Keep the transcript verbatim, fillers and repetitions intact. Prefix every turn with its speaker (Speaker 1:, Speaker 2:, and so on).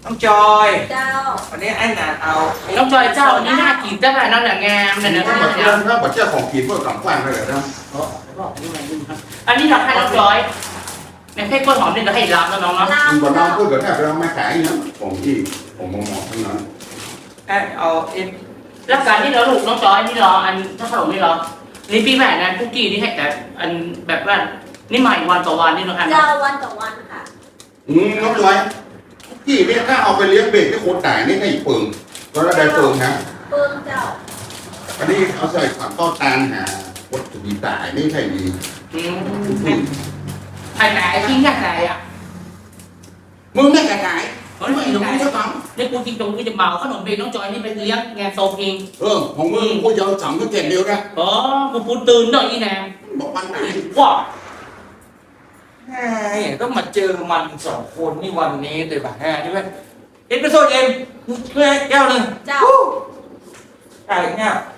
Speaker 1: น้องจอย
Speaker 2: เจ้า
Speaker 1: วันนี้ไอ้หนาเอา
Speaker 3: น้องจอยเจ้านี่น่ากินจังเลยนั่นแหละงามเลยนะทั้งหมด
Speaker 4: เรื่
Speaker 3: เนี่
Speaker 4: อย งถ้าบัตรเจ้าของกินเพื่อกลับบ้านไปเลยนะ
Speaker 3: อันนี้ราคาน้องจอยในเพ่กล้วยหอมนี่เราให้ล้ำแล้วน้องเนาะ
Speaker 2: ลา
Speaker 4: คุณบอกน้อง
Speaker 2: เจ้า
Speaker 4: พูดกับแทบเราไม่ขายนะผมที่ผมมองมองทั้งนั้น
Speaker 1: ไอ้เอาเอ็น
Speaker 3: แล้วการที่เราลูกน้องจอยนี่รออันถ้าขนมนี่รอนี่ปีใหม่นะคุกกี้นี่ให้แต่อันแบบว่านี่ใหม่วันต่อวันนี่น้องอัน
Speaker 2: เจ้าวันต่อวันค่ะ
Speaker 4: อืมน้องจอยที่เนี่ยถ้าเอาไปเลี้ยงเบรกที่โคตรตายนี่ให้เปิงก็ได้เปิงนะ
Speaker 2: เปิ้งเจ้า
Speaker 4: อันนี้เอาใส่ผักต้อตาลหาวัตถุดิบตายนี่ใช่ดี
Speaker 3: อืมไอ้ไหนทิ้งแค่ไหนอ่ะ
Speaker 4: มึงไม่ขายขาย
Speaker 3: เฮ้ยไม่รู้จะฟังนี่กูจริงตรงกูจะเมาขนมเบรน้องจอยนี่ไปเลี้ยงงานโซเอง
Speaker 4: เออของมึงกูจะสั่งก็เก่งเดียวนะ
Speaker 3: อ๋อกูพูดตื่นหน่อยอีแนม
Speaker 4: บอกวันไหน
Speaker 3: ว้า
Speaker 1: แหมต้องมาเจอมันสองคนนี่วันนี้เลยป่ะแหมใช่ไหมเอ็นไปโซนเอ็มเพื่อแก้วหนึ่ง
Speaker 2: เจ้า
Speaker 1: ใช่เนี่ย